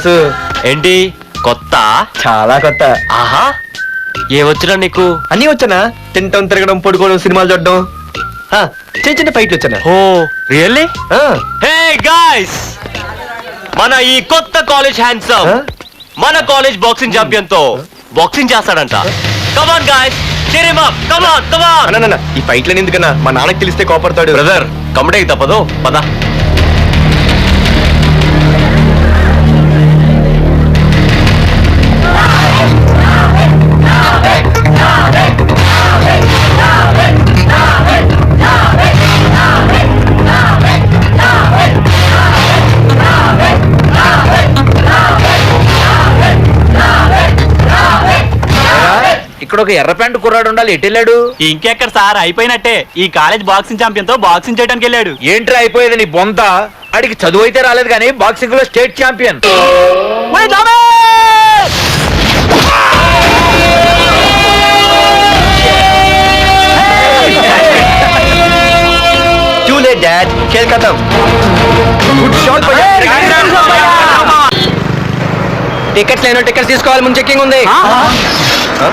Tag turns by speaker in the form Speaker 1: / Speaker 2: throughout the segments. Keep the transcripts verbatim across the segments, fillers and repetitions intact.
Speaker 1: Boss.
Speaker 2: ఏంటి కొత్త?
Speaker 1: చాలా కొత్త.
Speaker 2: ఆహా, ఏమొచ్చినా నీకు?
Speaker 1: అన్నీ వచ్చానా? తింటం, తిరగడం, పడుకోవడం, సినిమాలు చూడడం, ఆ, చిన్న చిన్న ఫైట్లు వచ్చానా?
Speaker 2: Oh really?
Speaker 1: ఆ,
Speaker 2: హే గాయ్స్, మన ఈ కొత్త కాలేజ్ హ్యాండ్సమ్
Speaker 1: ఆ?
Speaker 2: మన కాలేజ్ బాక్సింగ్ ఛాంపియన్ తో బాక్సింగ్ చేస్తాడంట. Come on guys, cheer him up. Come on, come on.
Speaker 1: అన్న, అన్న, ఈ ఫైట్లని ఎందుకన్నా? మా నాన్నకి తెలిస్తే కోపడతాడు.
Speaker 2: బ్రదర్, కమడేకి తప్పదు, పద.
Speaker 3: ఇక్కడ ఒక ఎర్ర ప్యాంటు కుర్రాడు ఉండాలి, ఎటు వెళ్ళాడు?
Speaker 4: ఇంకెక్కడ సార్, అయిపోయినట్టే. ఈ కాలేజ్ బాక్సింగ్ ఛాంపియన్ తో బాక్సింగ్ చేయడానికి వెళ్ళాడు.
Speaker 3: ఏంట్రా అయిపోయేది నీ బొంత? అడిగి చదువు అయితే రాలేదు కానీ బాక్సింగ్ లో state champion.
Speaker 1: Too late, Dad. खेल खत्म. Good shot, भैया. టికెట్స్ లేనో టికెట్స్ తీసుకోవాలి, ముందు చెక్కింగ్ ఉంది. ఆ?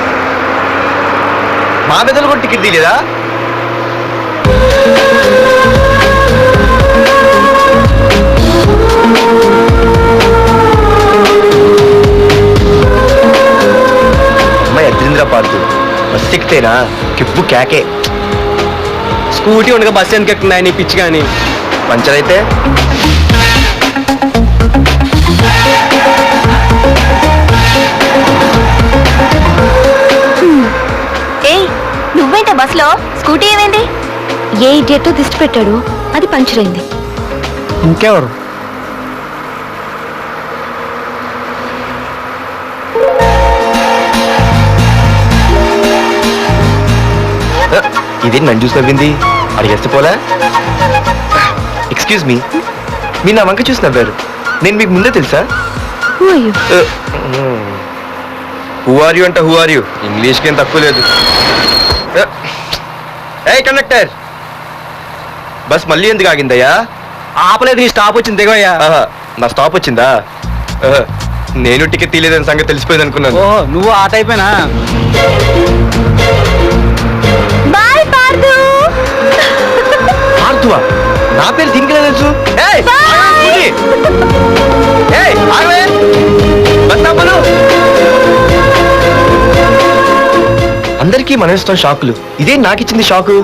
Speaker 1: మా పెద్దలు కూడా టికెట్ తీయలేదా? అమ్మాయి అద్రింద్ర పార్తు బస్ ఎక్కితేనా కిప్పు కేకే. స్కూటీ ఉండగా బస్సు ఎందుకు ఎక్కుతున్నాయి నీ పిచ్చి కానీ? పంచర్ అయితే
Speaker 5: నువ్వేంట బస్ లో? స్కూటీ ఏమైంది? ఏ ఇడియట్ దిష్టి పెట్టాడు, అది పంచర్ అయింది.
Speaker 1: ఇంకెవరు? ఇదేంటి నన్ను చూసి నవ్వింది? అడిగేస్తే పోలే. ఎక్స్క్యూజ్ మీ, మీరు నా వంక చూసి నవ్వారు. నేను మీకు ముందే తెలుసా? హూ ఆర్ యూ అంట హూ ఆర్ యూ? ఇంగ్లీష్కి ఏం తక్కువ లేదు. ఏ కండక్టర్, బస్ మళ్ళీ ఎందుకు ఆగిందయ్యా?
Speaker 4: ఆపలేదు, నీ స్టాప్ వచ్చింది, దిగోయ్యా.
Speaker 1: ఆహా, నా స్టాప్ వచ్చిందా? ఆహా, నేను టికెట్ తీయలేదని సంగతి తెలిసిపోయింది అనుకున్నాను.
Speaker 4: ఓ, నువ్వు ఆ టైపేనా?
Speaker 5: బాయ్ పార్దు.
Speaker 1: ఆర్తువా? నా పేరు దీనికి తెలుసు. ఏయ్, ఆగవే, స్కూటీ. ఏయ్, ఆగవే. బస్ ఆపను. అందరికీ మనం ఇస్తాం షాకులు, ఇదే నాకు ఇచ్చింది షాకు.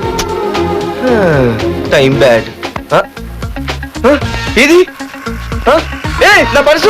Speaker 1: Time bad. ఇది నా పర్సు.